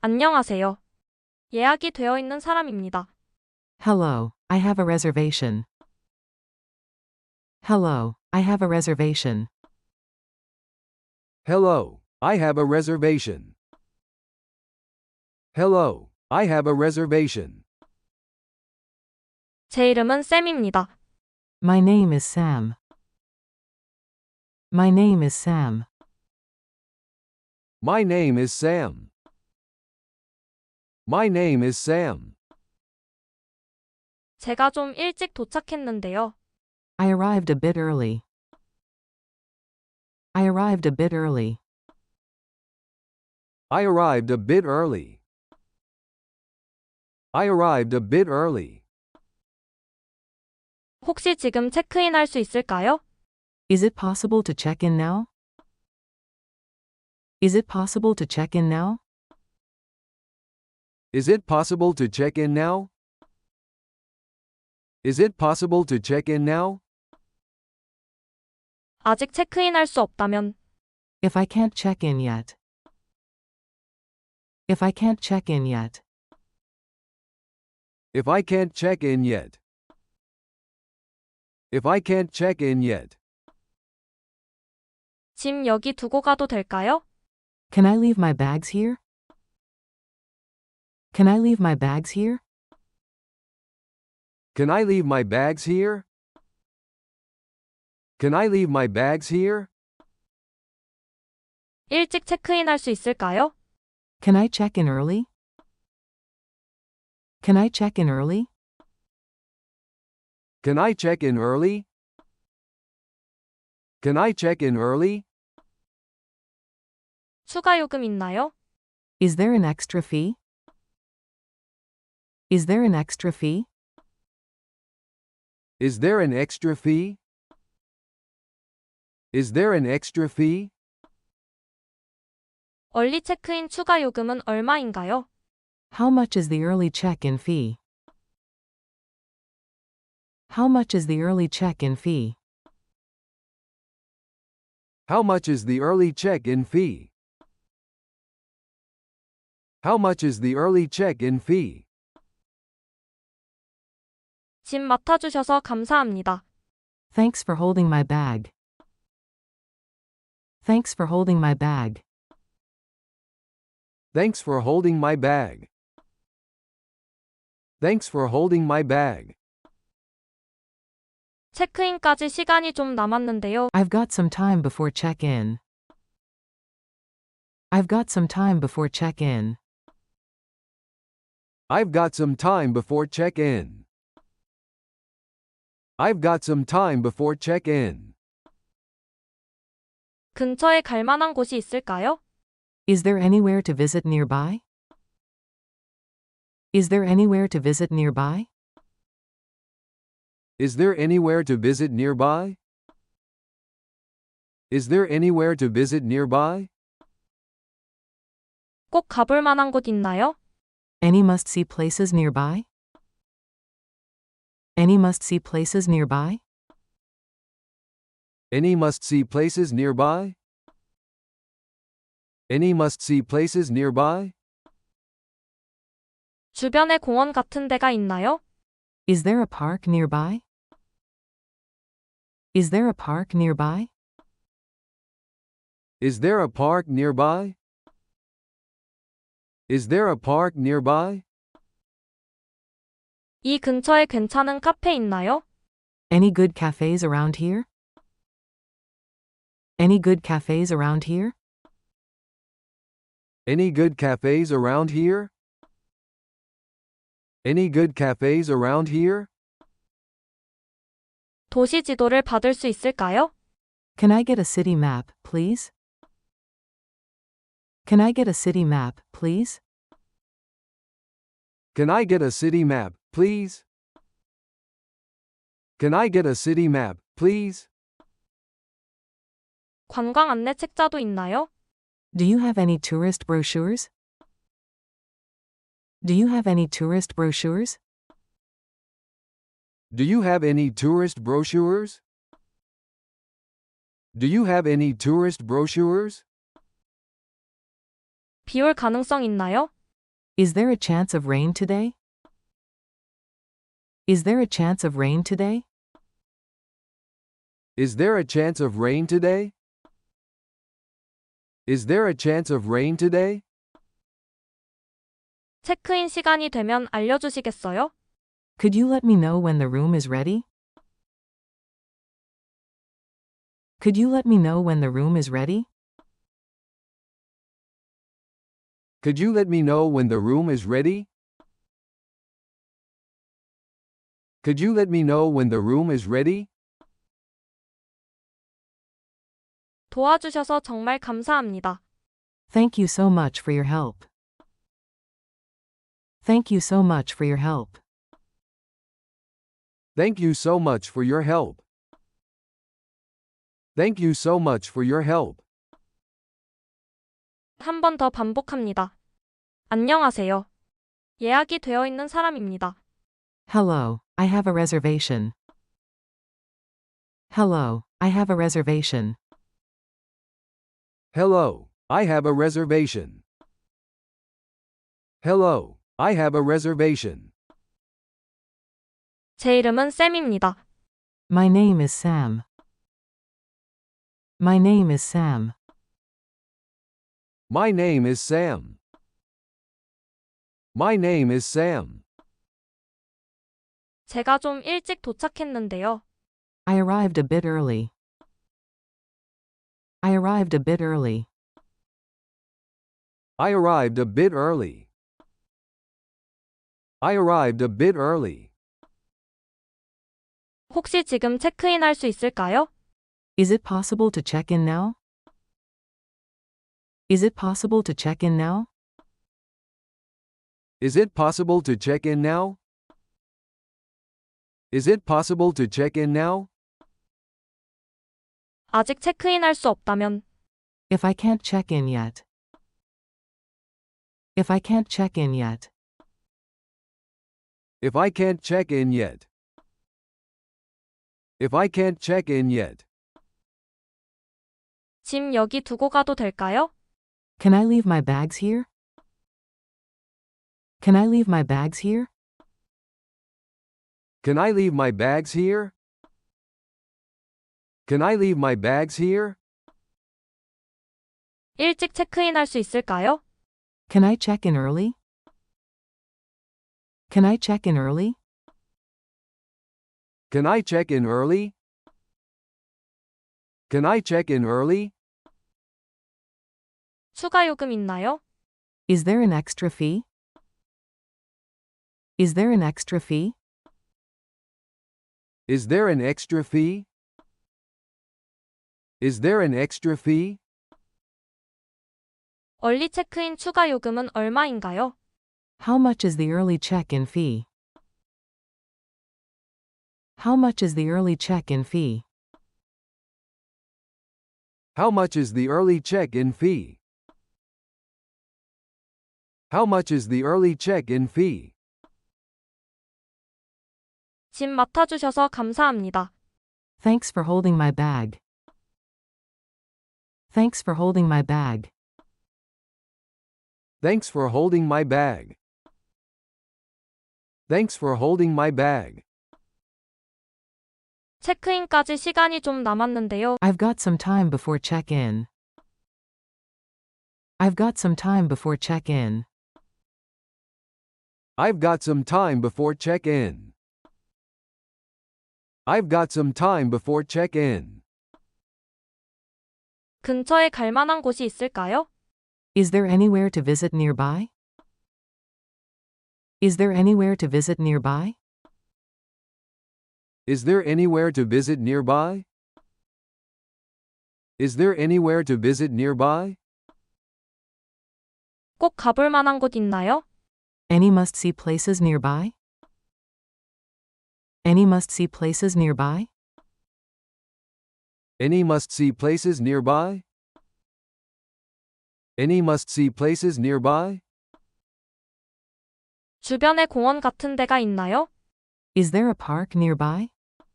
안녕하세요. 예약이 되어 있는 사람입니다. Hello, I have a reservation. Hello, I have a reservation. Hello, I have a reservation. Hello, I have a reservation. 제 이름은 쌤입니다. My name is Sam. My name is Sam. My name is Sam. My name is Sam. 제가 좀 일찍 도착했는데요. I arrived a bit early. I arrived a bit early. I arrived a bit early. I arrived a bit early. 혹시 지금 체크인할 수 있을까요? Is it possible to check in now? Is it possible to check in now? Is it possible to check in now? Is it possible to check in now? 아직 체크인할 수 없다면 If I can't check in yet. If I can't check in yet. If I can't check in yet. If I can't check in yet. 짐 여기 두고 가도 될까요? Can I leave my bags here? Can I leave my bags here? Can I leave my bags here? Can I leave my bags here? 일찍 체크인할 수 있을까요? Can I check in early? Can I check in early? Can I check in early? Can I check in early? 추가 요금 있나요? Is there an extra fee? Is there an extra fee? Is there an extra fee? Is there an extra fee? 얼리 체크인 추가 요금은 얼마인가요? How much is the early check-in fee? How much is the early check-in fee? How much is the early check-in fee? How much is the early check-in fee? 짐 맡아주셔서 감사합니다. Thanks for holding my bag. Thanks for holding my bag. Thanks for holding my bag. Thanks for holding my bag. 체크인까지 시간이 좀 남았는데요. I've got some time before check-in. I've got some time before check-in. I've got some time before check-in. I've got some time before check-in. 근처에 갈 만한 곳이 있을까요? Is there anywhere to visit nearby? Is there anywhere to visit nearby? Is there anywhere to visit nearby? Is there anywhere to visit nearby? 꼭 가볼 만한 곳 있나요? Any must-see places nearby? Any must-see places nearby? Any must-see places nearby? Any must-see places nearby? 주변에 공원 같은 데가 있나요? Is there a park nearby? Is there a park nearby? Is there a park nearby? Is there a park nearby? 이 근처에 괜찮은 카페 있나요? Any good cafes around here? Any good cafes around here? Any good cafes around here? Any good cafes around here? 도시 지도를 받을 수 있을까요? Can I get a city map, please? Can I get a city map, please? Can I get a city map, please? Can I get a city map, please? 관광 안내 책자도 있나요? Do you have any tourist brochures? Do you have any tourist brochures? Do you have any tourist brochures? Do you have any tourist brochures? 비 올 가능성 있나요? Is there a chance of rain today? Is there a chance of rain today? Is there a chance of rain today? Is there a chance of rain today? 체크인 시간이 되면 알려주시겠어요? Could you let me know when the room is ready? Could you let me know when the room is ready? Could you let me know when the room is ready? Could you let me know when the room is ready? 도와주셔서 정말 감사합니다. Thank you so much for your help. Thank you so much for your help. Thank you so much for your help. Thank you so much for your help. 한 번 더 반복합니다. 안녕하세요. 예약이 되어 있는 사람입니다. Hello, I have a reservation. Hello, I have a reservation. Hello, I have a reservation. Hello, I have a reservation. 제 이름은 샘입니다. My name is Sam. My name is Sam. My name is Sam. My name is Sam. 제가 좀 일찍 도착했는데요. I arrived a bit early. I arrived a bit early. I arrived a bit early. I arrived a bit early. 혹시 지금 체크인 할 수 있을까요? Is it possible to check in now? Is it possible to check in now? Is it possible to check in now? Is it possible to check in now? 아직 체크인 할 수 없다면 If I can't check in yet. If I can't check in yet. If I can't check in yet. If I can't check in yet. 짐 여기 두고 가도 될까요? Can I leave my bags here? Can I leave my bags here? Can I leave my bags here? Can I leave my bags here? 일찍 체크인 할 수 있을까요? Can I check in early? Can I check in early? Can I check in early? Can I check in early? 추가 요금 있나요? Is there an extra fee? Is there an extra fee? Is there an extra fee? Is there an extra fee? 얼리 체크인 추가 요금은 얼마인가요? How much is the early check-in fee? How much is the early check-in fee? How much is the early check-in fee? How much is the early check-in fee? 짐 맡아주셔서 감사합니다. Thanks for holding my bag. Thanks for holding my bag. Thanks for holding my bag. Thanks for holding my bag. 체크인까지 시간이 좀 남았는데요. I've got some time before check-in. I've got some time before check-in. I've got some time before check-in. I've got some time before check-in. 근처에 갈 만한 곳이 있을까요? Is there anywhere to visit nearby? Is there anywhere to visit nearby? Is there anywhere to visit nearby? Is there anywhere to visit nearby? 꼭 가볼 만한 곳 있나요? Any must-see places nearby? Any must-see places nearby? Any must-see places nearby? Any must-see places nearby? 주변에 공원 같은 데가 있나요? Is there a park nearby?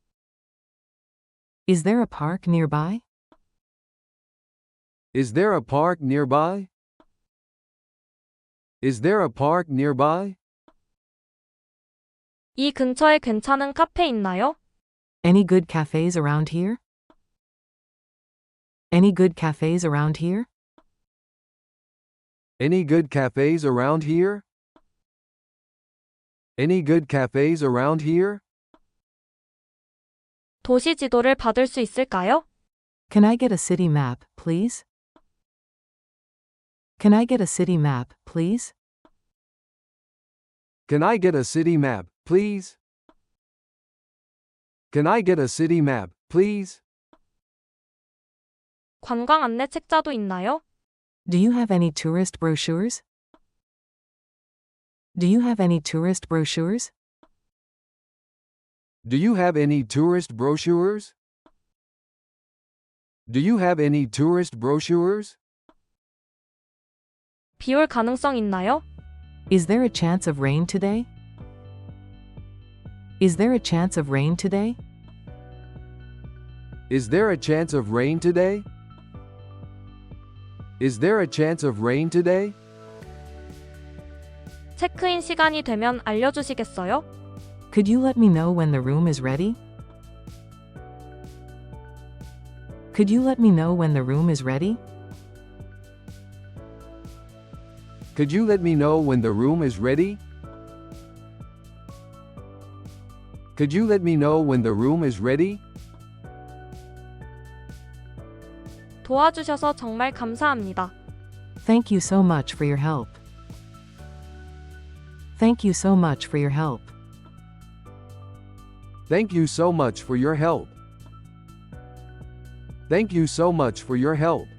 Is there a park nearby? Is there a park nearby? Is there a park nearby? 이 근처에 괜찮은 카페 있나요? Any good cafes around here? Any good cafes around here? Any good cafes around here? Any good cafes around here? 도시 지도를 받을 수 있을까요? Can I get a city map, please? Can I get a city map, please? Can I get a city map, please? Can I get a city map, please? 관광 안내 책자도 있나요? Do you have any tourist brochures? Do you have any tourist brochures? Do you have any tourist brochures? Do you have any tourist brochures? 비 올 가능성 있나요? Is there a chance of rain today? Is there a chance of rain today? Is there a chance of rain today? Is there a chance of rain today? 체크인 시간이 되면 알려주시겠어요? Could you let me know when the room is ready? Could you let me know when the room is ready? Could you let me know when the room is ready? Could you let me know when the room is ready? 도와주셔서 정말 감사합니다. Thank you so much for your help. Thank you so much for your help. Thank you so much for your help. Thank you so much for your help.